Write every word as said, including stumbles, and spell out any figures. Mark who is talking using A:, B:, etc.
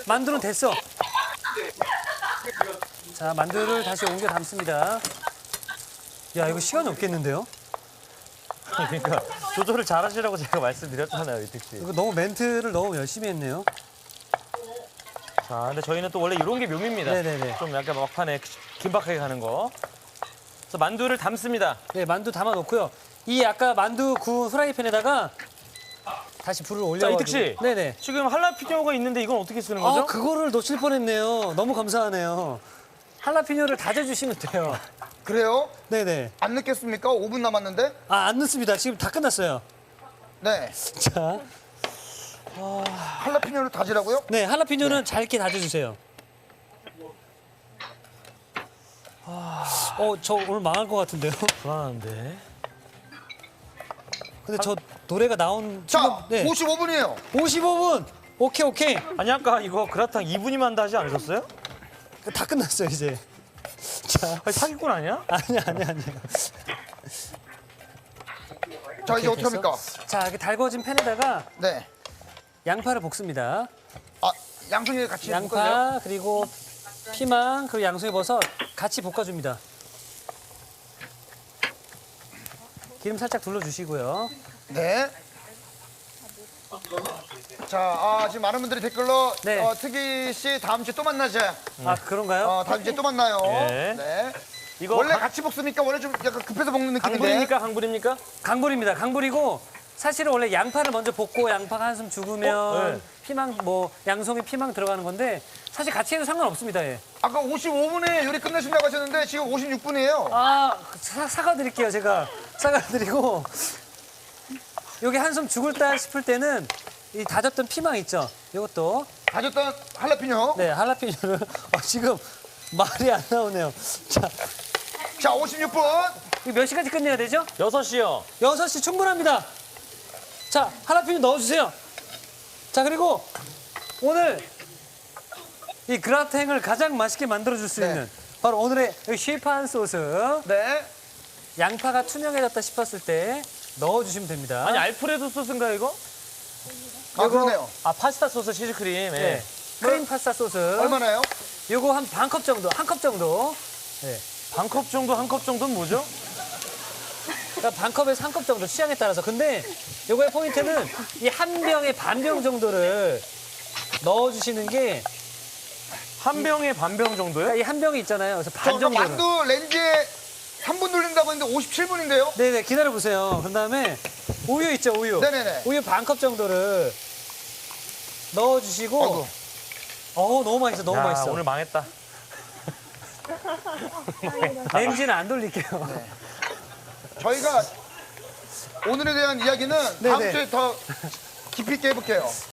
A: 만두는 됐어. 자, 만두를 다시 옮겨 담습니다. 야, 이거 시간이 없겠는데요?
B: 그러니까 조절을 잘하시라고 제가 말씀드렸잖아요, 이택 씨.
A: 이거 너무 멘트를 너무 열심히 했네요.
B: 자, 근데 저희는 또 원래 이런 게 묘미입니다.
A: 네네네.
B: 좀 약간 막판에 긴박하게 가는 거. 그래서 만두를 담습니다.
A: 네, 만두 담아 놓고요. 이 아까 만두 구운 프라이팬에다가 다시 불을
B: 자,
A: 올려가지고.
B: 이택 씨.
A: 네네.
B: 지금 할라피뇨가 있는데 이건 어떻게 쓰는 거죠?
A: 아, 그거를 놓칠 뻔했네요. 너무 감사하네요. 할라피뇨를 다져주시면 돼요.
C: 그래요?
A: 네네.
C: 안 늦겠습니까? 오 분 남았는데?
A: 아, 안 넣습니다. 지금 다 끝났어요.
C: 네.
A: 자,
C: 할라피뇨를 다지라고요?
A: 네, 할라피뇨는 잘게 다져주세요. 어, 저 오늘 망할 것 같은데요?
B: 불안한데.
A: 근데 저 노래가 나온
C: 자,
A: 지금, 네.
C: 오십오 분이에요.
A: 오십오 분. 오케이, 오케이.
B: 아니 아까 이거 그라탕 이 분이면 한다 하지 않으셨어요?
A: 다 끝났어요, 이제. 자,
B: 아니, 사기꾼 아니야?
A: 아니야, 아니야, 아니야.
C: 자, 이제
A: 오케이,
C: 어떻게 합니까?
A: 자, 이렇게 달궈진 팬에다가
C: 네.
A: 양파를 볶습니다.
C: 아, 양송이 같이 볶아주세요.
A: 양파, 그리고 피망, 그리고 양송이 버섯 같이 볶아줍니다. 기름 살짝 둘러주시고요.
C: 네. 자, 아, 지금 많은 분들이 댓글로
A: 네.
C: 어, 특이 씨 다음 주에 또 만나자.
A: 아, 그런가요?
C: 어, 다음 주에 또 만나요.
B: 예.
C: 네.
B: 이거
C: 원래
B: 강-
C: 같이 볶습니까? 원래 좀 약간 급해서 볶는 느낌인데.
B: 강불입니까? 강불입니까?
A: 강불입니다. 강불이고 사실은 원래 양파를 먼저 볶고 양파가 한숨 죽으면
B: 어? 네.
A: 피망, 뭐 양송이 피망 들어가는 건데 사실 같이 해도 상관없습니다. 예.
C: 아까 오십오 분에 요리 끝내신다고 하셨는데 지금 오십육 분이에요.
A: 아, 사, 사과드릴게요, 제가. 사과드리고. 여기 한숨 죽을 다 싶을 때는 이 다졌던 피망 있죠? 이것도.
C: 다졌던 할라피뇨.
A: 네, 할라피뇨를. 어, 지금 말이 안 나오네요. 자,
C: 자, 오십육 분.
A: 이거 몇 시까지 끝내야 되죠?
B: 여섯 시요.
A: 여섯 시 충분합니다. 자, 할라피뇨 넣어주세요. 자, 그리고 오늘 이 그라탱을 가장 맛있게 만들어줄 수
C: 네.
A: 있는 바로 오늘의 이 시판 소스.
C: 네.
A: 양파가 투명해졌다 싶었을 때 넣어주시면 됩니다.
B: 아니 알프레도 소스인가요 이거?
C: 아, 그러네요.
B: 아 파스타 소스 치즈크림. 예.
A: 네. 크림 파스타 소스.
C: 얼마나요?
A: 요거 한 반 컵 정도, 한 컵 정도. 네.
B: 반 컵 정도, 한 컵 정도는 뭐죠?
A: 그러니까 반 컵에서 한 컵 정도 취향에 따라서. 근데 요거의 포인트는 이 한 병에 반 병 정도를 넣어주시는 게
B: 한 병에 반 병 정도요?
A: 이 한 병이 있잖아요. 그래서
C: 저
A: 반
C: 아까
A: 정도를.
C: 만두 렌즈에 삼 분 돌린다고 했는데 오십칠 분인데요?
A: 네네, 기다려보세요. 그 다음에 우유 있죠, 우유.
C: 네네네.
A: 우유 반 컵 정도를 넣어주시고.
C: 아이고.
A: 어우, 너무 맛있어, 너무
B: 야,
A: 맛있어.
B: 오늘 망했다.
A: 렌즈는 안 돌릴게요.
C: 저희가 오늘에 대한 이야기는 다음
A: 네네.
C: 주에 더 깊이 있게 해볼게요.